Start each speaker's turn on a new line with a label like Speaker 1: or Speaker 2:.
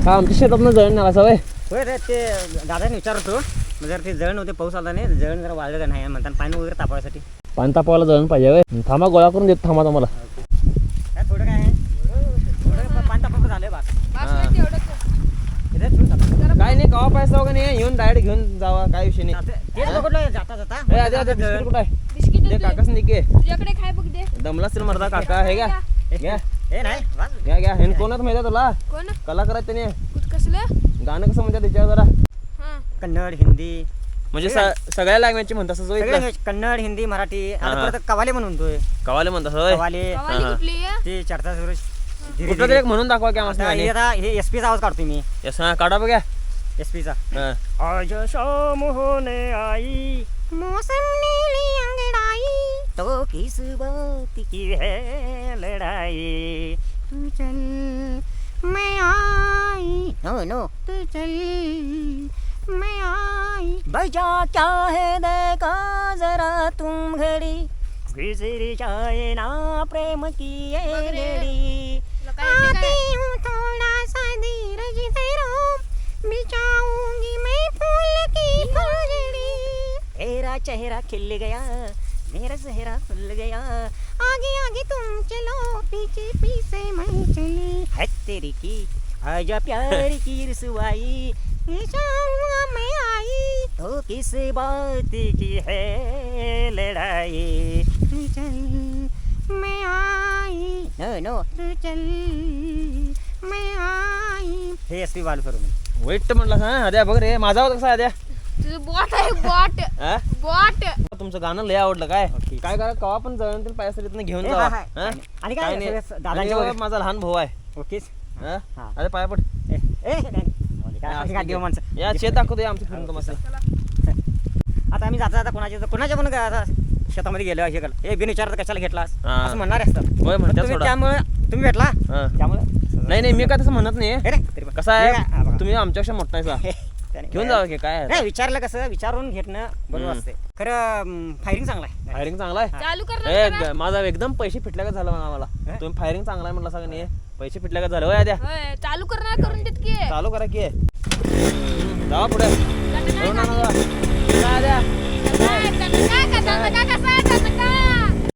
Speaker 1: आमच्या शेतातनं जळण नाही असं वय.
Speaker 2: होय रे, ते दादाने विचारतो जर ते जळण होते, पाऊस आला नाही, जळण जरा वाढलं का नाही म्हणतात पाणी वगैरे तापवायसाठी.
Speaker 1: पाणी तापवायला जळण पाहिजे वय. थांबा गोळा करून देतो थांबा तुम्हाला.
Speaker 2: काय थोडं काय आहे, थोडं पाणी तापवलं झालंय बा.
Speaker 1: काय नाही कवा पाहिजे का नाही येऊन डायरेक्ट घेऊन जावा, काय विषय नाही.
Speaker 2: तेच बघितलं जाता जाता
Speaker 1: बिस्किट कुठं आहे?
Speaker 3: बिस्किट
Speaker 1: दे काकाच निघे.
Speaker 3: तुझ्याकडे काय बघ दे.
Speaker 1: दमला असेल मर्दा काका. हे घ्या घ्या
Speaker 2: हे नाही वाज.
Speaker 1: घ्या घ्या. हे कोणात माहिती आहे तुला?
Speaker 3: कोण
Speaker 1: कलाकार आहेत त्याने.
Speaker 3: कसलं?
Speaker 1: गाणं कसं म्हणतात त्याच्यावर जरा
Speaker 3: हा
Speaker 2: कन्नड, हिंदी
Speaker 1: म्हणजे सगळ्या लँग्वेजची म्हणतात असं
Speaker 2: सगळे language, कन्नड, हिंदी, मराठी. आता परत कवाले म्हणून म्हणतोय.
Speaker 1: कवाले म्हणतात होय.
Speaker 2: कवाले
Speaker 3: कवाली कुठली आहे?
Speaker 2: ते चर्चा सुरू
Speaker 1: कुठलं तरी एक म्हणून दाखवा की
Speaker 2: आता
Speaker 1: आम्हाला.
Speaker 2: हे एसपीचा आवाज काढतोय मी.
Speaker 1: यस हा काढा बघा.
Speaker 2: एसपीचा.
Speaker 1: हा.
Speaker 2: आज शाम होने आई, मौसम नीली अंगड़ाई, तो किस बात की है लड़ाई, तू चल मैं आई, नो नो तू चल मैं आई, बजा क्या है देखा जरा तुम घड़ी, गुजर जाए ना प्रेम की ये घड़ी, आती हूँ थोड़ा सा धीरज धरो, बिछाऊंगी मैं फूल की फुलझड़ी, तेरा चेहरा खिल गया, मेरा चेहरा खुल गया, आगे आगे तुम चलो, पीछे पीछे मैं चली, है तेरी की आजा प्यार की रसवाई, मैं आई तो किस बात की है लड़ाई, तू चल मैं आई, नो नो तू चल मैं आई. हे एसपी बालू सर मी
Speaker 1: वाईट म्हणला हा. आद्या बघ रे माझा होता कसा आद्या.
Speaker 3: तुझं बॉट आहे बॉट.
Speaker 1: हा?
Speaker 3: बॉट.
Speaker 1: तुमचं गाणं लय आवडलं. काय काय करा कवा पण जळण ते पायासाठी घेऊन
Speaker 2: हे
Speaker 1: जावा.
Speaker 2: हा, हा.
Speaker 1: हा?
Speaker 2: आणि
Speaker 1: काय
Speaker 2: काय
Speaker 1: नाही.
Speaker 2: दादांच्या
Speaker 1: आणि
Speaker 2: वगैरे
Speaker 1: माझा लहान भाऊ आहे.
Speaker 2: ओकेच.
Speaker 1: हा?
Speaker 2: हा.
Speaker 1: अरे पाया पड.
Speaker 2: काय देव माणसं.
Speaker 1: या शेत दाखवतो आमचं फिरून तुम्हाला.
Speaker 2: आता आम्ही जाता जाता कोणाच्या पण आता शेतामध्ये गेलो हे केलं, हे बिन विचारत कशाला घेतलास
Speaker 1: हा.
Speaker 2: असं म्हणणार असतात.
Speaker 1: होय म्हणतात
Speaker 2: तुम्ही
Speaker 1: सोडा.
Speaker 2: त्यामुळे तुम्ही भेटला
Speaker 1: हा.
Speaker 2: त्यामुळे
Speaker 1: नाही नाही मी काय तसं म्हणत नाही.
Speaker 2: हे रे, तरी पण.
Speaker 1: कसं
Speaker 2: हे काय? हा,
Speaker 1: आहे
Speaker 2: बघा.
Speaker 1: तुम्ही आमच्यापेक्षा मोठा आहे सा.
Speaker 2: त्याने
Speaker 1: घेऊन
Speaker 2: काय-
Speaker 1: जावा की काय आहे.
Speaker 2: नाही विचारलं कसं विचारून घेणं बरोबर असते. खरं फायरिंग चांगला आहे.
Speaker 1: फायरिंग चांगला आहे.
Speaker 3: चालू करणार
Speaker 1: ए, माझा एकदम पैसे फिटल्या का झालं आम्हाला.
Speaker 2: हे?
Speaker 1: तुम्ही फायरिंग चांगला आहे म्हणला सगळं नाही. पैसे फिटल्या का झालं होय आद्या.
Speaker 3: होय चालू करणार करून देत की.
Speaker 1: चालू करा की. जावा पुढे.
Speaker 3: काय
Speaker 1: जाऊ ना, जावा. काय आद्या?
Speaker 3: काय कसं आहे?